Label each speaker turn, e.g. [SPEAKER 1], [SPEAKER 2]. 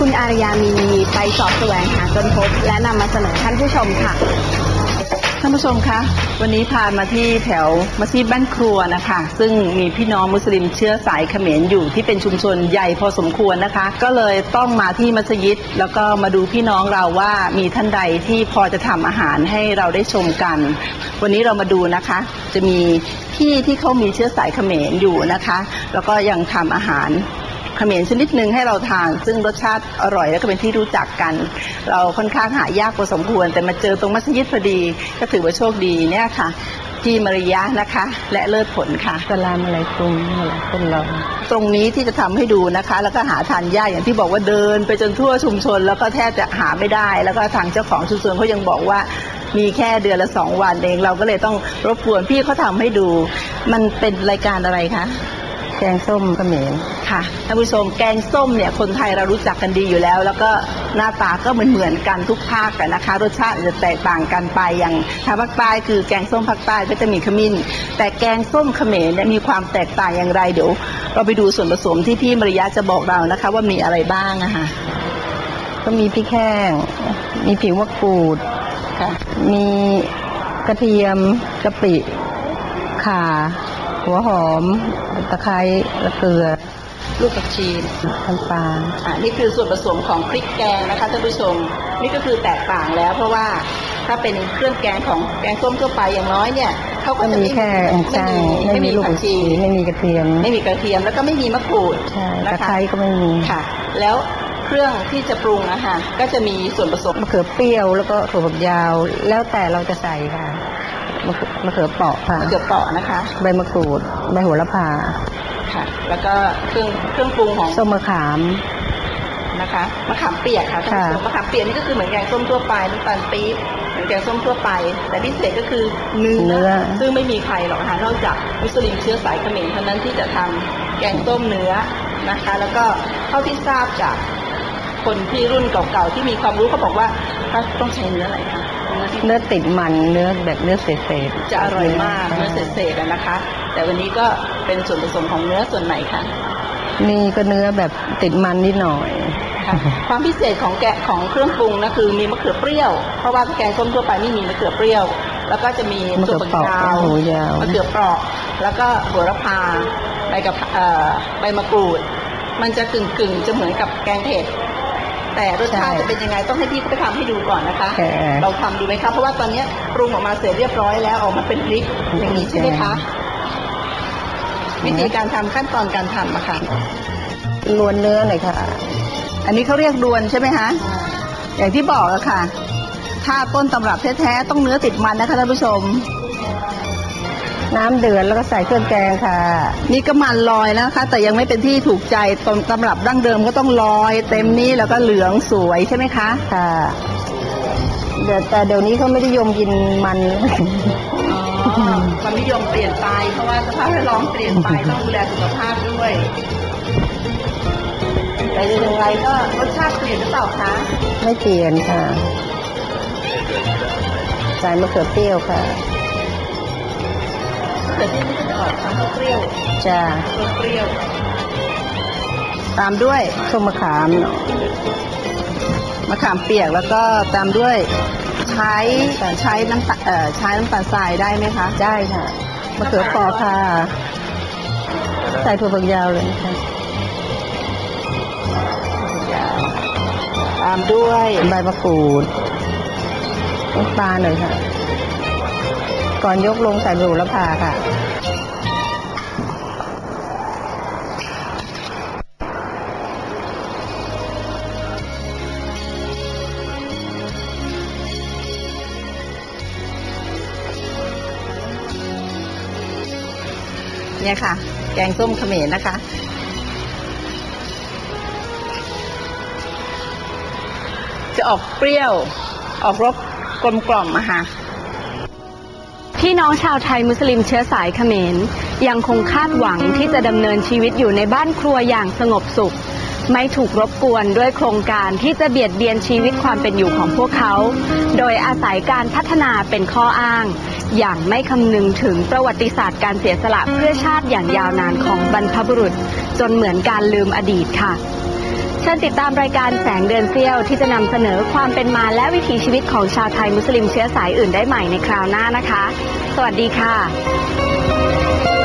[SPEAKER 1] คุณอารยามีไปสอบแสวงหาจนพบและนำมาเสนอท่านผู้ชมค่ะ
[SPEAKER 2] ท่านผู้ชมคะวันนี้พามาที่แถวมัสยิดบ้านครัวนะคะซึ่งมีพี่น้องมุสลิมเชื้อสายเขมรอยู่ที่เป็นชุมชนใหญ่พอสมควรนะคะก็เลยต้องมาที่มัสยิดแล้วก็มาดูพี่น้องเราว่ามีท่านใดที่พอจะทำอาหารให้เราได้ชมกันวันนี้เรามาดูนะคะจะมีพี่ที่เขามีเชื้อสายเขมรอยู่นะคะแล้วก็ยังทำอาหารเขมรชนิดหนึ่งให้เราทานซึ่งรสชาติอร่อยและก็เป็นที่รู้จักกันเราค่อนข้างหายากพอสมควรแต่มาเจอตรงมัสยิดพอดีก็ถือว่าโชคดีเนี่ยค่ะที่มารยะนะคะและเลิศผลค่ะ
[SPEAKER 3] สลามอะไรกลุ่มอะไรคนเรา
[SPEAKER 2] ตรงนี้ที่จะทำให้ดูนะคะแล้วก็หาทานยากอย่างที่บอกว่าเดินไปจนทั่วชุมชนแล้วก็แทบจะหาไม่ได้แล้วก็ทางเจ้าของชุมชนเขายังบอกว่ามีแค่เดือนละ2 วันเองเราก็เลยต้องรบกวนพี่เขาทำให้ดูมันเป็นรายการอะไรคะ
[SPEAKER 3] แกงส้มเขมร
[SPEAKER 2] ค่ะท่านผู้ชมแกงส้มเนี่ยคนไทยเรารู้จักกันดีอยู่แล้วแล้วก็หน้าตาก็เหมือนกันทุกภาคกันนะคะรสชาติจะแตกต่างกันไปอย่างทางภาคใต้คือแกงส้มภาคใต้ก็จะมีขมิ้นแต่แกงส้มเขมรเนี่ยมีความแตกต่างอย่างไรเดี๋ยวเราไปดูส่วนผสมที่พี่มารยาจะบอกเรานะคะว่ามีอะไรบ้างนะคะ
[SPEAKER 3] ก็มีพริกแห้งมีผิวมะกรูด
[SPEAKER 2] ค่ะ
[SPEAKER 3] มีกระเทียมกะปิข่าหัวหอมตะไคร้และเกลือ
[SPEAKER 2] ลูกผักชี
[SPEAKER 3] น้ำปลา
[SPEAKER 2] นี่คือส่วนผสมของพริกแกงนะคะท่านผู้ชมนี่ก็คือแตกต่างแล้วเพราะว่าถ้าเป็นเครื่องแกงของแกงส้มทั่วไปอย่างน้อยเนี่ยเขาก็จะ
[SPEAKER 3] มีแค่
[SPEAKER 2] ไม่มีลูกผักชี
[SPEAKER 3] ไม่มีกระเทียม
[SPEAKER 2] แล้วก็ไม่มีมะกรูด
[SPEAKER 3] ตะไคร้ก็ไม่มี
[SPEAKER 2] ค่ะแล้วเครื่องที่จะปรุงนะคะก็จะมีส่วนผสม
[SPEAKER 3] มะเขือเปรี้ยวแล้วก็ถั่วฝักยาวแล้วแต่เราจะใส่ค่ะมะเขือเปราะค่ะ
[SPEAKER 2] มะเขือเปราะนะคะ
[SPEAKER 3] ใบมะกรูดใบโหระพา
[SPEAKER 2] ค่ะแล้วก็เครื่องปรุงของ
[SPEAKER 3] ส้มมะขาม
[SPEAKER 2] นะคะมะขามเปียกค่ะมะขามเปียกนี่ก็คือเหมือนแกงส้มทั่วไปน้ำตาลปี๊บเหมือนแกงส้มทั่วไปแต่พิเศษก็คือเนื้อซึ่งไม่มีใครหรอกค่ะนอกจากมุสลิมเชื้อสายเขมรเท่านั้นที่จะทำแกงส้มเนื้อนะคะแล้วก็เท่าที่ทราบจากคนที่รุ่นเก่าๆที่มีความรู้เขาบอกว่าต้องใช้เนื้ออะไรคะ
[SPEAKER 3] เนื้อติดมันเนื้อแบบเนื้อเศษ
[SPEAKER 2] จะอร่อยมากเนื้อเศษๆนะคะแต่วันนี้ก็เป็นส่วนผสมของเนื้อส่วนไหนคะ
[SPEAKER 3] นี่ก็เนื้อแบบติดมันนิดหน่อย
[SPEAKER 2] ความพิเศษของเครื่องปรุงนะคือมีมะเขือเปรี้ยวเพราะว่าแกงส้มทั่วไปไม่มีมะเขือเปรี้ยวแล้วก็จะมี
[SPEAKER 3] ถั่วฝักยาว
[SPEAKER 2] มะเขือเปราะแล้วก็โหระพาใบมะกรูดมันจะกึ่งจะเหมือนกับแกงเผ็ดแต่รสชาติจะเป็นยังไงต้องให้พี่เขาไปทำให้ดูก่อนนะคะเราทำดูไหมคะเพราะว่าตอนนี้ปรุงออกมาเสร็จเรียบร้อยแล้วออกมาเป็นพริกอย่างนี้ใช่ไหมคะวิธีการทำขั้นตอนการทำอะค่ะ
[SPEAKER 3] ลวนเนื้อหน่อยค่ะ
[SPEAKER 2] อันนี้เขาเรียกลวนใช่ไหมคะอย่างที่บอกอะค่ะถ้าต้นตำรับแท้ๆต้องเนื้อติดมันนะคะท่านผู้ชม
[SPEAKER 3] น้ำเดือดแล้วก็ใส่เครื่องแกงค่ะ
[SPEAKER 2] นี่ก็มันลอยแล้วนะคะแต่ยังไม่เป็นที่ถูกใจต้นตำรับดั้งเดิมก็ต้องลอยเต็มนี้แล้วก็เหลืองสวยใช่ไหมคะ
[SPEAKER 3] ค่ะแต่เดี๋ยวนี้เขาไม่ได้นิยมกินมัน
[SPEAKER 2] ความนิยมเปลี่ยนไปเพราะว่าสภาพแวดล้อมเปลี่ยนไปต้องดูแลสุขภาพด้วยแต่อย่างไรก็รสชาติเปลี่ยนหรือเปล่าคะ
[SPEAKER 3] ไม่เปลี่ยนค่ะใส่มะเขือเปรี้ยวค่ะ
[SPEAKER 2] แต่ที่นี่จะออกทางเปรี้ยว
[SPEAKER 3] จ้า
[SPEAKER 2] เปรี้ยวตามด้วย
[SPEAKER 3] ส้มมะขาม
[SPEAKER 2] มะขามเปียกแล้วก็ตามด้วยใช้น้ำตาลทรายได้ไหมคะ
[SPEAKER 3] ได้ค่ะมะเขือเปราะค่ะใส่ถั่วฝักยาวเลยค่ะ
[SPEAKER 2] ตามด้วย
[SPEAKER 3] ใบมะกรูดน้ำปลาหน่อยค่ะก่อนยกลงใส่โหระพาค่ะ
[SPEAKER 2] เนี่ยค่ะแกงส้มเขมรนะคะจะออกเปรี้ยวออกรสกลมกล่อมอะค่ะ
[SPEAKER 1] พี่น้องชาวไทยมุสลิมเชื้อสายเขมรยังคงคาดหวังที่จะดำเนินชีวิตอยู่ในบ้านครัวอย่างสงบสุขไม่ถูกรบกวนด้วยโครงการที่จะเบียดเบียนชีวิตความเป็นอยู่ของพวกเขาโดยอาศัยการพัฒนาเป็นข้ออ้างอย่างไม่คำนึงถึงประวัติศาสตร์การเสียสละเพื่อชาติอย่างยาวนานของบรรพบุรุษจนเหมือนการลืมอดีตค่ะเชิญติดตามรายการแสงเดือนเสี้ยวที่จะนำเสนอความเป็นมาและวิถีชีวิตของชาวไทยมุสลิมเชื้อสายอื่นได้ใหม่ในคราวหน้านะคะสวัสดีค่ะ